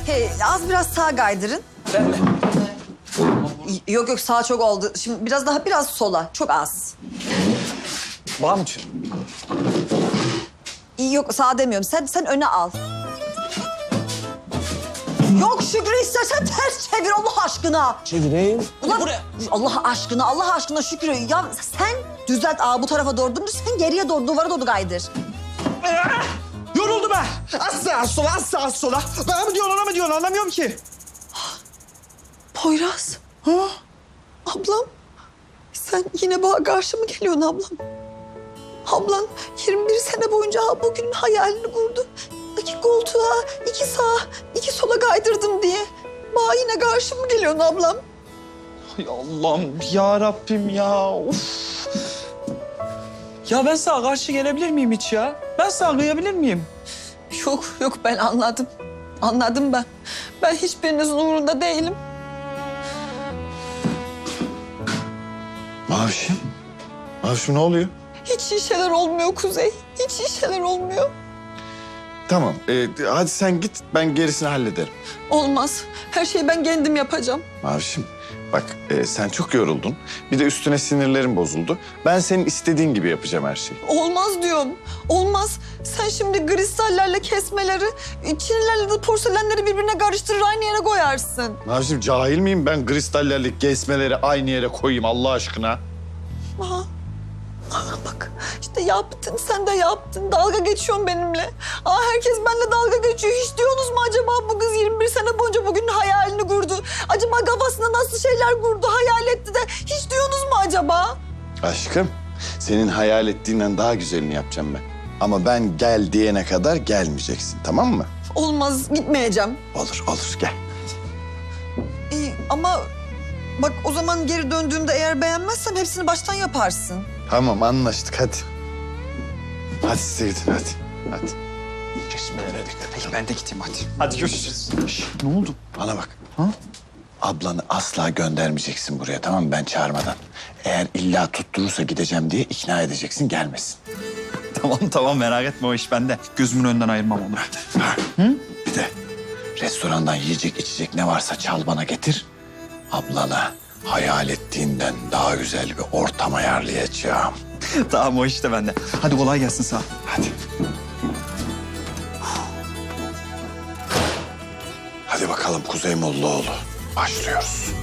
Hey, az biraz sağa kaydırın. Ben de. Yok sağa çok oldu. Şimdi biraz sola. Çok az. Bağ mı? Yok sağa demiyorum. Sen öne al. Yok Şükrü istersen ters çevir Allah aşkına. Çevireyim. Ulan Buraya. Allah aşkına Şükrü. Ya sen düzelt bu tarafa doğru dümdüz. Sen geriye doğru duvara doğru kaydır. Yoruldum ben. Az sola. Bana mı diyorsun, ona mı diyorsun? Anlamıyorum ki. Poyraz. Ha? Ablam. Sen yine bana karşı mı geliyorsun ablam? Ablan 21 sene boyunca bugün hayalini kurdu. 2 koltuğa, 2 sağa, 2 sola kaydırdım diye. Bana yine karşı mı geliyorsun ablam? Ay Allah'ım ya Rabbim ya. Of. Ya ben sana karşı gelebilir miyim hiç ya? Ben sana kıyabilir miyim? Yok ben anladım. Anladım ben. Ben hiçbirinizin umurunda değilim. Mavişim. Mavişim ne oluyor? Hiç iyi şeyler olmuyor Kuzey. Hiç iyi şeyler olmuyor. Tamam. Hadi sen git. Ben gerisini hallederim. Olmaz. Her şeyi ben kendim yapacağım. Mavişim bak sen çok yoruldun. Bir de üstüne sinirlerin bozuldu. Ben senin istediğin gibi yapacağım her şeyi. Olmaz diyorum. Olmaz. Sen şimdi kristallerle kesmeleri, çinilerle de porselenleri birbirine karıştırır aynı yere koyarsın. Mavişim cahil miyim ben kristallerle kesmeleri aynı yere koyayım Allah aşkına? Aha. Bak işte yaptın, sen de yaptın. Dalga geçiyorsun benimle. Herkes benimle dalga geçiyor. Hiç diyorsunuz mu acaba bu kız 21 sene boyunca bugün hayalini kurdu? Acaba kafasında nasıl şeyler kurdu, hayal etti de hiç diyorsunuz mu acaba? Aşkım senin hayal ettiğinden daha güzelini yapacağım ben. Ama ben gel diyene kadar gelmeyeceksin tamam mı? Olmaz, gitmeyeceğim. Olur gel. İyi ama bak o zaman geri döndüğümde eğer beğenmezsem hepsini baştan yaparsın. Tamam anlaştık hadi. Hadi size gidin hadi. Kesmelere dikkat et. Ben de gideyim hadi. Hadi görüşürüz. Ne oldu? Bana bak. Ha? Ablanı asla göndermeyeceksin buraya tamam mı ben çağırmadan. Eğer illa tutturursa gideceğim diye ikna edeceksin gelmesin. Tamam merak etme o iş bende. Gözümün önünden ayırmam onu. Bir de restorandan yiyecek içecek ne varsa çal bana getir. Ablana hayal ettiğinden daha güzel bir ortam ayarlayacağım. Tamam o iş de bende. Hadi kolay gelsin sana. Hadi. Hadi bakalım Kuzey Mollaoğlu. Başlıyoruz.